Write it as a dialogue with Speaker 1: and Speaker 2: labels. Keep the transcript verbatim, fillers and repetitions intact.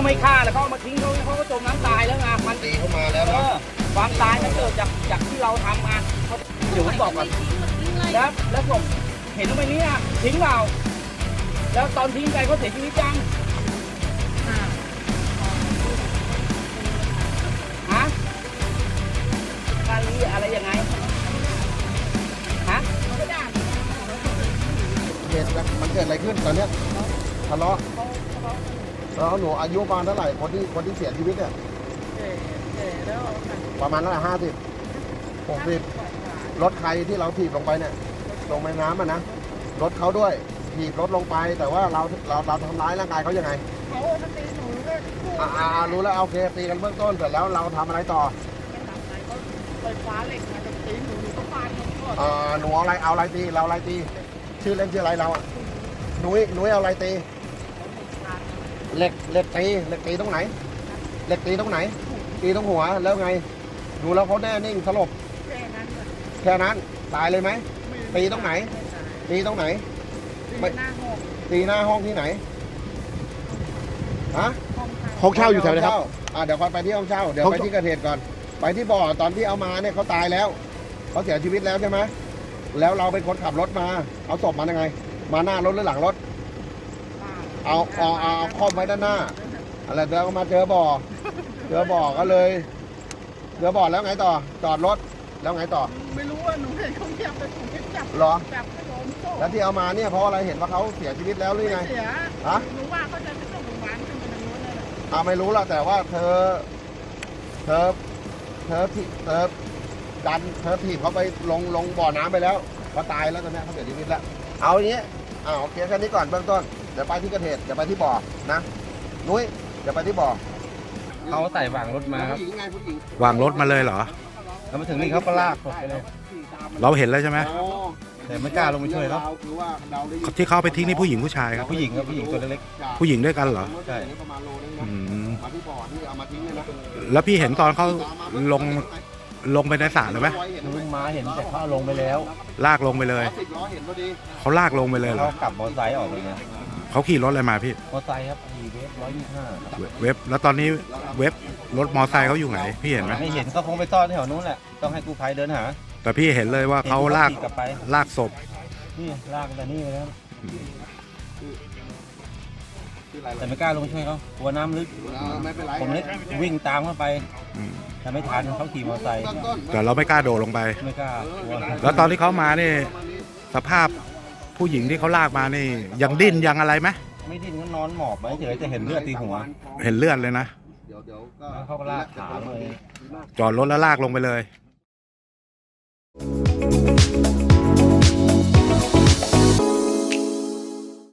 Speaker 1: ไม่ฆ่าแล้วเขาเอามาทิ้งเขาเขาก็จมน้ำตายแล้วไงมันตีเข้ามาแล้วเออความตายมันเกิดจากจากที่เราทำมาเดี๋ยวผมบอกก่อนแล้วแล้วผมเห็นว่าไปนี้ทิ้งเราแล้วตอนทิ้งไปเขาเสียชีวิตยังฮะการลีอะไรยังไงฮะ
Speaker 2: เหตุมันเกิดอะไรขึ้นตอนเนี้ยทะเลาะแล้วหนูอายุประมาณเท่าไหร่คนที่คนที่เสียชีวิตเนี่ยประมาณเท่าไหร่ห้าสิบหกสิบรถใครที่เราถีบลงไปเนี่ยลงไปน้ำอ่ะนะรถเขาด้วยถีบรถลงไปแต่ว่าเราเราเราทำร้ายร่างกายเขายังไงเขาตีหนูก็อ่ารู้แล้วโอเคตีกันเบื้องต้นเสร็จแล้วเราทำอะไรต่อ
Speaker 3: ไฟฟ้าเหล็กมาจะตีหนูหนูก็ฟาดหนูก่อน
Speaker 2: อ่าหนูเอาอะไรเอาอะไรตีเราอะไรตีชื่อเล่นชื่ออะไรเราอ่ะหนุ่ยหนุ่ยเอาอะไรตีเหล็กเหล็กตีเหล็กตีตรงไหนเหล็กตีตรงไหนตีตรงหัวแล้วไงดูแล้วเขาแน่นิ่งสลบ
Speaker 3: แค่นั้น
Speaker 2: แค่นั้นตายเลยไหมตีตรงไหนตีตรงไหน
Speaker 3: ตีหน้าห้อง
Speaker 2: ตีหน้าห้องที่ไหนฮะ
Speaker 4: ห้องเช่าอยู่แถวไหนครับ
Speaker 2: อ่าเดี๋ยวค่อยไปที่ห้องเช่าเดี๋ยวไปที่เกิดเหตุก่อนไปที่บ่อตอนที่เอามาเนี่ยเขาตายแล้วเขาเสียชีวิตแล้วใช่ไหมแล้วเราเป็นคนขับรถมาเอาศพมายังไงมาหน้ารถหรือหลังรถเอาเอาเอาครอบไว้ด้านหน้าอะไรเดี๋ยวมาเจอบ่อเจอบ่อก็เลยเจอบ่อแล้วไงต่อจอดรถแล้วไงต่อ
Speaker 3: ไม่รู้ว่าหนูเห็นเขาเทียบไปถูกจับ
Speaker 2: หรอ
Speaker 3: จับไปโดนโซ่
Speaker 2: แล้วที่เอามาเนี่ยเพราะอะไรเห็นว่าเขาเสียชีวิตแล้วหรือไง
Speaker 3: เสีย
Speaker 2: ฮะ
Speaker 3: รู้ว่าเขาจะไปส่งโรงพยาบาลขึ้นไปทางโน้นเลย
Speaker 2: อ่าไม่รู้ละแต่ว่าเธอเธอเธอที่เธอดันเธอถีบเขาไปลงลงบ่อน้ำไปแล้วเขาตายแล้วตอนนี้เขาเสียชีวิตแล้วเอาอย่างนี้อ่าโอเคแค่นี้ก่อนเบื้องต้นเดี๋ยวไปที่เกิดเหตุเดี๋ยวไปที่บ่อนะนุ้ยเดี๋ยวไปที่บ่อ
Speaker 1: เขาใส่วางรถมาครับ
Speaker 4: วางรถมาเลยเหรอ
Speaker 1: แล้วมาถึงนี่เขาก็ลากศพไปเลย
Speaker 4: เราเห็นแล้วใช่ไหม
Speaker 1: แต่ไม่กล้าลงไปช่วยเขา
Speaker 4: ที่เขาไปทิ้งนี่ผู้หญิงผู้ชายครับ
Speaker 1: ผู้หญิงครับผู้หญิงตัวเล็ก
Speaker 4: ผู้หญิงด้วยกันเหรอ
Speaker 1: ใช่
Speaker 4: แล้วพี่เห็นตอนเขาลงลงไปในสระหรือไหม
Speaker 1: ลุงมาเห็นแต่เขาลงไปแล้ว
Speaker 4: ลากลงไปเลยเขาลากลงไปเลยเหรอ
Speaker 1: เขากลับมอเตอร์ไซค์ออกเลย
Speaker 4: เขาขี่รถอะไรมาพี่
Speaker 1: มอเตอร์ไซค์ครับอีเวฟร้อยยี่สิบห้า
Speaker 4: เว็บแล้วตอนนี้เว็บรถมอเตอร์ไซค์เขาอยู่ไหนพี่เห็นไหม
Speaker 1: ไม่เห็นเขาคงไปซ่อนแถวนู้นแหละต้องให้กู้ภัยเดินหา
Speaker 4: แต่พี่เห็นเลยว่าเขาลากลากศพ
Speaker 1: นี่ลากแต่นี่ไปแล้วแต่ไม่กล้าลงช่วยเขากลัวน้ำลึกผมเลยวิ่งตามเข้าไปแต่ไม่ทันเขาขี่มอเตอร์ไซค์
Speaker 4: แต่เราไม่กล้าโดดลงไป
Speaker 1: ไม่กล้า
Speaker 4: แล้วตอนที่เขามานี่สภาพผู้หญิงที่เขาลากมานี่ยังดิ้นยังอะไรไหม
Speaker 1: ไม่ดิ้นก็นอนหมอบไปเฉยจะเห็นเลือดตีหัว
Speaker 4: เห็นเลือดเลยนะ
Speaker 1: เขาก็ลากขาเลย
Speaker 4: จอดรถแล้วลากลงไปเลย